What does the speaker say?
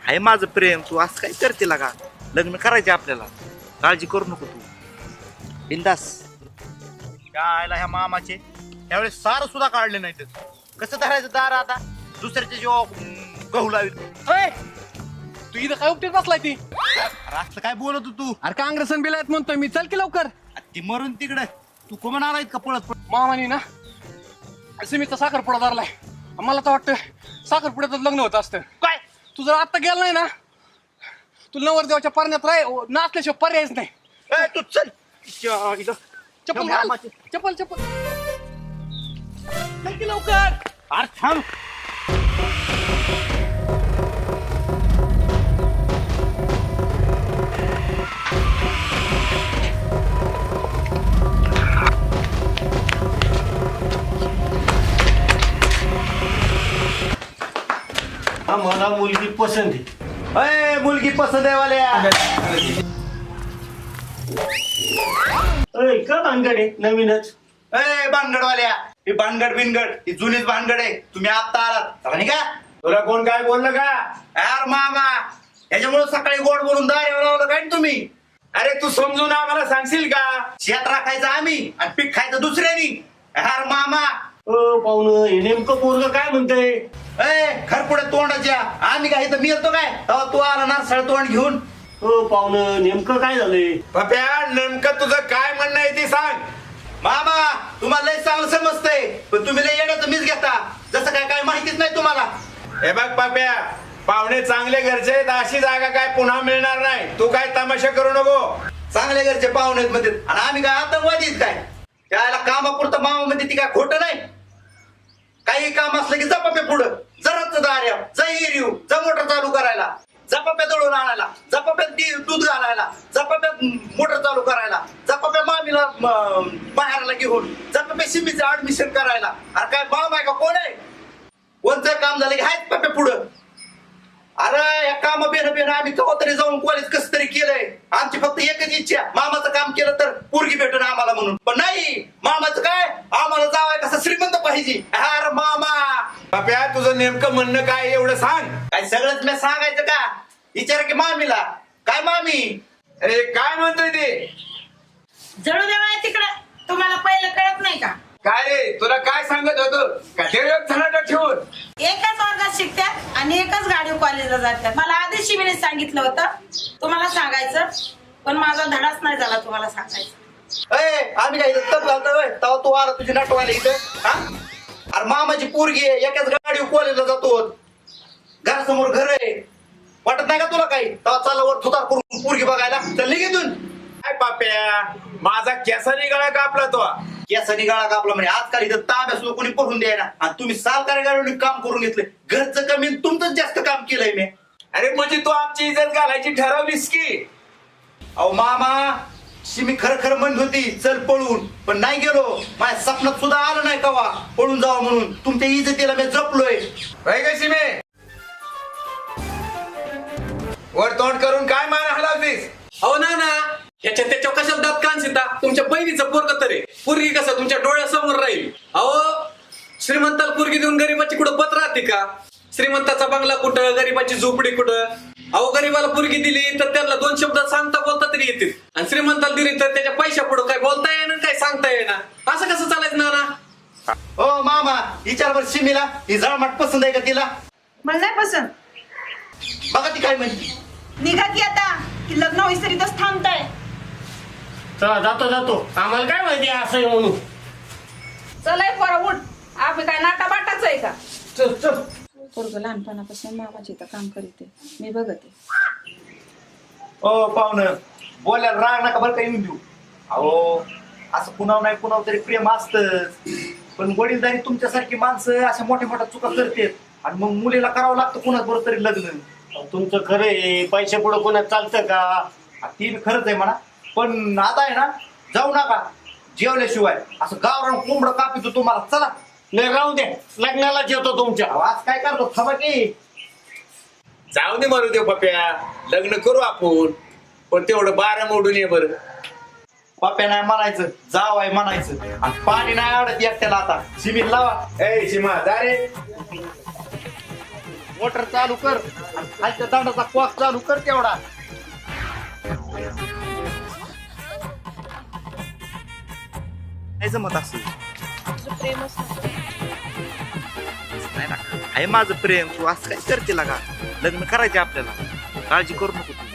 आहे माझं प्रेम, तू असं काय करते का? लग्न करायचे आपल्याला, काळजी करू नको तू, बिंदास. काय ह्या मामाचे त्यावेळेस सार सुद्धा काढले नाही. कसं धरायचं दार आता दुसऱ्याच्या जीवा गहू लावी. तू इथं काय उपटेत बसलाय ती? असं काय बोलत होतो तू? अरे काँग्रेसन बिल आहेत म्हणतोय मी, चल की लवकर. ती मरून तिकडे तू कोण आलाय का पळत? मामानी ना सिमीचा साखरपुडा धरलाय. मला तर वाटतं साखरपुड्यातच लग्न होत असतं. काय तू जर आता गेला नाही ना, तुला नवरदेवाच्या पारण्यात नाचल्याशिवाय पर्यायच नाही. तू चल. चप्पल घाल. चप्पल चप्पल चल की लवकर. अरे थांब. मला मुलगी पसंत आहे. मुलगी पसंत आहे वाल्या. का भानगड आहे नवीनच? भानगडवाल्या, ही भानगड बिनगड ही जुनीच भानगड आहे. तुम्ही आता आलात चला नाही का? तुला कोण काय बोललं का? यार मामा, याच्यामुळे सकाळी गोड बोलून दार लावलं काय ना तुम्ही? अरे तू समजून आम्हाला सांगशील का? शेत राखायचं आम्ही आणि पीक खायचं दुसऱ्यानी. यार मामा, पाहुणं हे नेमकं पोरग काय म्हणतंय? खरपुड्या तोंडाच्या आम्ही काय इथं मिळतो काय? तेव्हा तू आला नारसाळ तोंड घेऊन. पाहुणं नेमकं काय झालंय? पप्या नेमकं तुझं काय म्हणणं आहे ते सांग. मामा, तुम्हाला लय चांगलं समजतंय, पण तुम्ही लय येण्याचं मीच घेता. जसं काय माहितीच नाही तुम्हाला. हे बघ पप्या, पाहुणे चांगले घरचे आहेत, अशी जागा काय पुन्हा मिळणार नाही. तू काय तमाशा करू नको. चांगले घरचे पाहुणे मध्ये आणि आम्ही काय आतंकवादीच काय? त्याला कामापुरतं मामा मध्ये ती काय खोटं नाही. काही काम असलं की जपाप्या पुढं, जराच दार्या, जा एरिव, जा मोटर चालू करायला, जपाप्या दळून आणायला, जपाप्यात दूध घालायला, जपाप्यात मोटर चालू करायला, जपाप्या मामीला बाहेरला घेऊन, जपाप्या सिमीचं ऍडमिशन करायला. अरे काय मामा आहे का कोण आहे? कोणतं काम झालं की हायच पप्या पुढं. अरे या काम बेन आम्ही कवा तरी जाऊन कॉलेज कसं तरी केलंय. आमची फक्त एकच इच्छा, मामाचं काम केलं तर पोरगी भेटून आम्हाला म्हणून. पण नाही, मामाचं काय, आम्हाला जावाय कसं श्रीमंत पाहिजे. अरे मामा, पप्या तुझं नेमकं म्हणणं काय एवढं सांग. काय सगळंच मी सांगायचं का? विचारा की मामीला. काय मामी? अरे काय म्हणतोय ते? जळू देवा तिकडं, तुम्हाला पहिलं कळत नाही का? काय रे, तुला काय सांगत होतो का ते झनाटा ठेवून? एकाच वर्गात शिकतात आणि एकाच गाडीवर कॉलेजला जातात. मला आधी शिवीने सांगितलं होतं तुम्हाला सांगायचं, पण माझा धडाच नाही झाला तुम्हाला सांगायचं. आम्ही काय इथं तप घालतोय तेव्हा तू आला तुझी नटवायला इथं. अरे मामाची पोरगी आहे, एकाच गाडीवर कॉलेजला जातो, घरासमोर घर आहे. वाटत नाही का तुला काही? तेव्हा चालला वर थुतार करून पोरगी बघायला तर निघून. काय पाप्या, माझा केसानी गळा कापला तो. केसानी गाळा कापला म्हणजे आजकाल इथं ताब्या सुद्धा कोणी पडून द्यायला. आणि तुम्ही सरकारी गाडीवर काम करून घेतलंय. घरचं कमी तुमचं जास्त काम केलंय मी. अरे म्हणजे तू आमची इज्जत घालायची ठरवलीस की? अहो मामा, मी खरं म्हणत होती चल पळून, पण नाही गेलो. माझ्या स्वप्नात सुद्धा आलं नाही कवा पळून जावं म्हणून. तुमच्या इज्जतीला मी जपलोय. कशी मे वर तोंड करून काय मान हलावतीस? अहो ना ह्याच्या त्याच्या कशाला दात कानसिता? तुमच्या बहिणीचं पोरग तरी पोरगी कसं तुमच्या डोळ्यासमोर राहील? अहो श्रीमंताला पोरगी देऊन गरीबाची कुठं पत राहते का? श्रीमंताचा बंगला कुठं, गरीबाची झोपडी कुठं? अहो गरीबाला पोरगी दिली तर त्याला दोन शब्द सांगता बोलता तरी येतील, आणि श्रीमंताला दिली तर त्याच्या पैशा पुढं काय बोलता येणार, काय सांगता येणार? असं कसं चालायचं ना? हो मामा, विचार सिमीला ही जळमाट पसंत आहे का तिला? मला नाही पसंत. बघा ती काय म्हणते. निघा की आता, की लग्न होईसरीतच थांबताय. चला जातो. आम्हाला काय माहिती असं आहे म्हणून. चलाय पोरा उठ, आम्ही काय नाटा बाटाच आहे का? चल. पोरग लहानपणापासून मामाची इथं काम करीते, मी बघते. हो पाहुणं, बोलायला राग नका बरं काही देऊ. अहो असं कुणावर नाही कुणावर तरी प्रेम असतच, पण वडीलधारी तुमच्यासारखी माणसं अशा मोठ्या मोठ्या चुका करतात आणि मग मुलीला करावं लागतं कुणाच बरोबर तरी लग्न. तुमचं खरं आहे, पैसे पुढे कोणात चालतं का? ती खरंच आहे म्हणा, पण आता आहे ना जाऊ नका जेवल्याशिवाय. असं गावरान कोंबडं कापितो तुम्हाला. चला. नाही राहू द्या, लग्नालाच येतो तुमच्या. आज काय करतो थांबा की. जाऊ दे मारू दे पप्या, लग्न करू आपण, पण तेवढं 12 मोडून ये बरं. पप्या नाही म्हणायचं, जाव आहे म्हणायचं. आणि पाणी नाही आवडत एकट्याला. आता सिमीत लावा. ए सीमा जा रे. मोटर चालू कर आणि खालच्या दांडाचा कॉक चालू कर तेवढा. नाही जमत असं. नाही ना, आहे माझं प्रेम, तू असं काय करते का? लग्न करायचे आपल्याला, काळजी करू नको तू.